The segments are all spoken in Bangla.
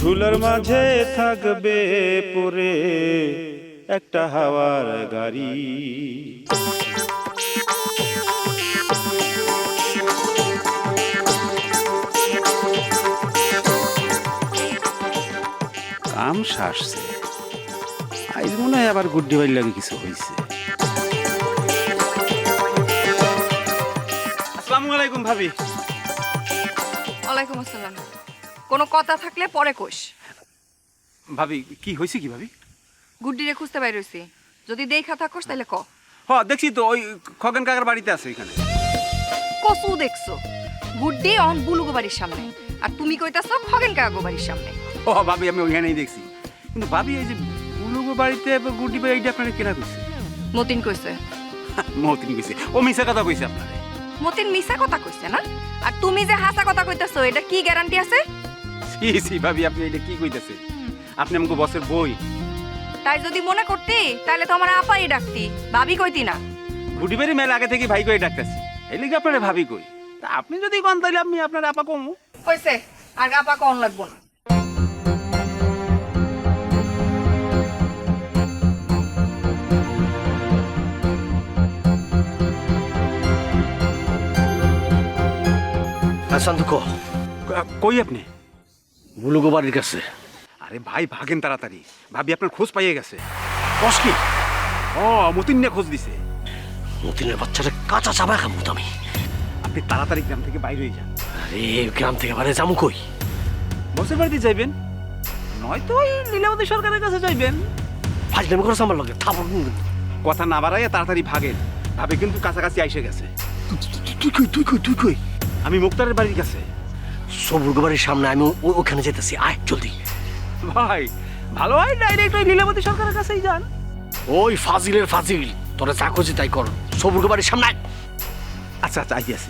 ধুলার মাঝে থাকবে পরে একটা হাওয়ার গাড়ি। কাম সারছে, আজ মনে হয় আবার গুড্ডি বাড়ি লাগে কিছু হয়েছে। আসসালামু আলাইকুম ভাবি। ওয়ালাইকুম আসসালাম। কোনো কথা থাকলে পরে কোষ। ভাবি কি হয়েছে কি ভাবি? গুড্ডিরে খুঁজতে বাইর হইছি, যদি দেখা থাকোস তাহলে ক। দেখছি তো, ওই খগেন কাকার বাড়িতে আছে এখানে। কসু দেখছো? গুড্ডি অন বুলুগো বাড়ির সামনে, আর তুমি কইতাছো খগেন কাগো বাড়ির সামনে। ভাবি আমি ওইখানেই দেখছি, কিন্তু ভাবি এই যে বুলুগো বাড়িতে গুড্ডি ভাই এইটা আপনারা কেনা কইছে? মতিন কইছে। মতিন কইছে? ও মিছা কথা কইছে আপনারে? মতিন মিছা কথা কইছে না? আর তুমি যে হাসা কথা কইতাছো, এটা কি গ্যারান্টি আছে? সি ভাবি, আপনি এটা কি কইতাছেন? আপনি আমাকে বসের বই। তাই যদি মনে করতি তাহলে তো আমার আপাই ডাকতি, ভাবি কইতি না। গুড্ডি বাড়ি মেলা আগে থেকে ভাই কই ডাকতেছি, এই লিগে আপনারে ভাবি কই। তা আপনি যদি কোন তাইলে আমি আপনার আপা কমু। কইছে আর আপা কোন লাগবো না। কই আপনি? বুলুগো বাড়ির কাছে। আরে ভাই ভাগেন তাড়াতাড়ি, ভাবি আপনার খোঁজ পাইয়ে গেছে। কস কি? মতিন নিয়ে খোঁজ দিছে। মতিনের বাচ্চাটা কাঁচা চাবা খাবো আমি। আপনি তাড়াতাড়ি গ্রাম থেকে বাইরে হয়ে যান। আরে গ্রাম থেকে বাইরে যাবো কই? বসের বাড়িতে যাইবেন, নয়তো ওই লীলাবতী সরকারের কাছে যাইবেন। ফাজলামি করেছে আমার লগে, থাপড়। কথা না বাড়াইয়া তাড়াতাড়ি ভাগেন, ভাবি কিন্তু কাছাকাছি আইসে গেছে। তুই কই? আমি মুক্তারের বাড়ির কাছে। সবুর্গ বাড়ির সামনে, আমি ওখানে যেতেছি, আয় জলদি। ভাই ভালো হয় ডাইরেক্ট ওই লীলাবতী সরকারের কাছেই যান। ওই ফাজিলের ফাজিল, তোরা যা খুঁজি তাই কর, সবুর্গ বাড়ির সামনে আয়। আচ্ছা আইতেছি।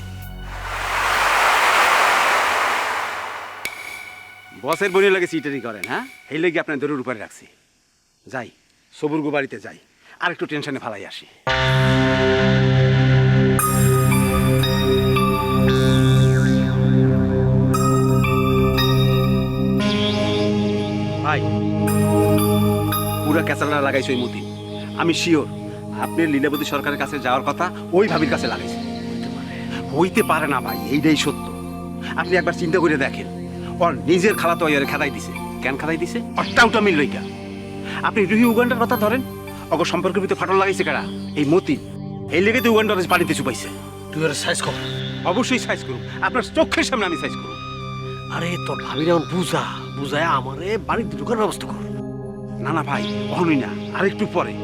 বসের বনি লাগে সিটারি করেন, হ্যাঁ? এই লেগে আপনার দরুর উপরে রাখছি। যাই সবুর্গ বাড়িতে যাই, আর একটু টেনশনে ফালাই আসি। ভাই পুরা ক্যাচালা লাগাইছে ওই মতি। আমি শিওর আপনার লীলাবতী সরকারের কাছে যাওয়ার কথা ওই ভাবির কাছে লাগাইছে। হইতে পারে না ভাই, এইটাই সত্য। আপনি একবার চিন্তা করে দেখেন, ওর নিজের খালা তো ওই খেদাই দিছে। কেন খেদাই দিছে? অট্টাউটা মিল লইকা। আপনি রুহি উগান্ডার কথা ধরেন, অগ সম্পর্কের ভিতরে ফাটল লাগাইছে কারা? এই মতি। এই লেগে তো উগান্ডার পানিতে চুপাইছে। তুই ওর সাইজ কর। অবশ্যই সাইজ করুন, আপনার চোখের সামনে আমি সাইজ করুন। আরে তোর ভাবির এমন বুঝায় আমারে বাড়িতে ঢুকার ব্যবস্থা কর। না ভাই, কখনোই না, আর একটু পরে।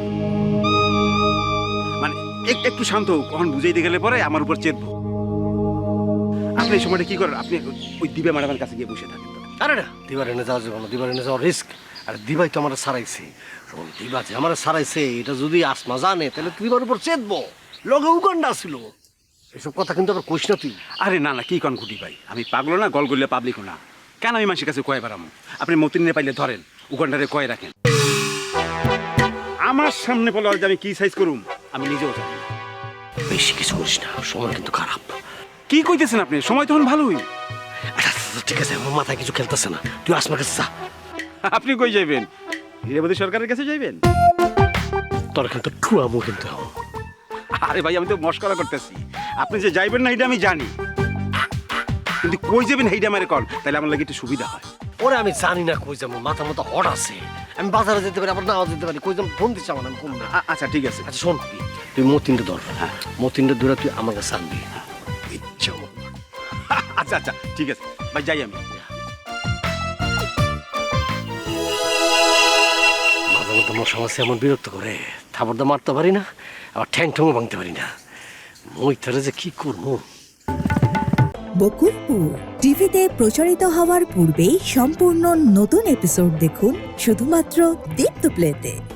মানে একটু শান্ত হোক, কখন বুঝাইতে গেলে পরে আমার উপর চেপবো। আপনি এই সময়টা কি করেন? আপনি ওই দিবা ম্যাডামের কাছে গিয়ে বসে থাকেন। আরে না, দিবার এনে যাওয়া যাবে না, দিবার এনে যাওয়ার রিস্ক। আর দিবাই তো আমার সারাইছে। দিবা যে আমার সারাইছে, এটা যদি আসমা জানে তাহলে দিবার উপর চেতবো। লগে উগান্ডা ছিল। এসব কথা কিন্তু আবার কইস না তুই। আরে না কি কন ঘুটি ভাই, আমি পাগলো না, গলগলিয়া পাবলিকও না। কেন আমি মানুষের কাছে কয়ে বেড়ামো? আপনি মতিনে পাইলে ধরেন, উগান্ডারে কয়ে রাখেন। আমার সামনে বলে যে আমি কি সাইজ করুম আমি নিজেও জানি না। বেশি কিছু করিস না, সময় কিন্তু খারাপ। কি কইতেছেন আপনি? সময় তখন ভালোই। আচ্ছা ঠিক আছে, আমার মাথায় কিছু খেলতেছে না, তুই আসমার কাছে যা। আপনি কই যাইবেন? লীলাবতী সরকারের কাছে যাইবেন? তোর কিন্তু ঠুয়ামু কিন্তু। আরে ভাই আমি তো মস্করা করতেছি। আপনি যে যাইবেন না এটা আমি জানি, কিন্তু কই যাবেন এইটা আমারে কন, তাহলে আমার লাগে একটু সুবিধা হয়। ওরে আমি জানি না কই যাবো, মাথা মতো হট আছে। আমি বাজারে যেতে পারি, আবার নাও যেতে পারি, কই যাবো ফোন দিচ্ছি আমার, আমি কম না। আচ্ছা ঠিক আছে। আচ্ছা শোন, তুই মতিনটা ধর। হ্যাঁ, মতিনটা ধরে তুই আমার কাছে আনবি। ইচ্ছা মতো। আচ্ছা ঠিক আছে ভাই, যাই আমি। মাঝে মধ্যে আমার সমস্যা এমন বিরক্ত করে, থাপড়দা মারতে পারি না, আবার ঠ্যাং ঠ্যাংও ভাঙতে পারি না। মই তারা যে কি করবো। বকুলপুর টিভিতে প্রচারিত হওয়ার পূর্বেই সম্পূর্ণ নতুন এপিসোড দেখুন শুধুমাত্র দীপ্ত প্লেতে।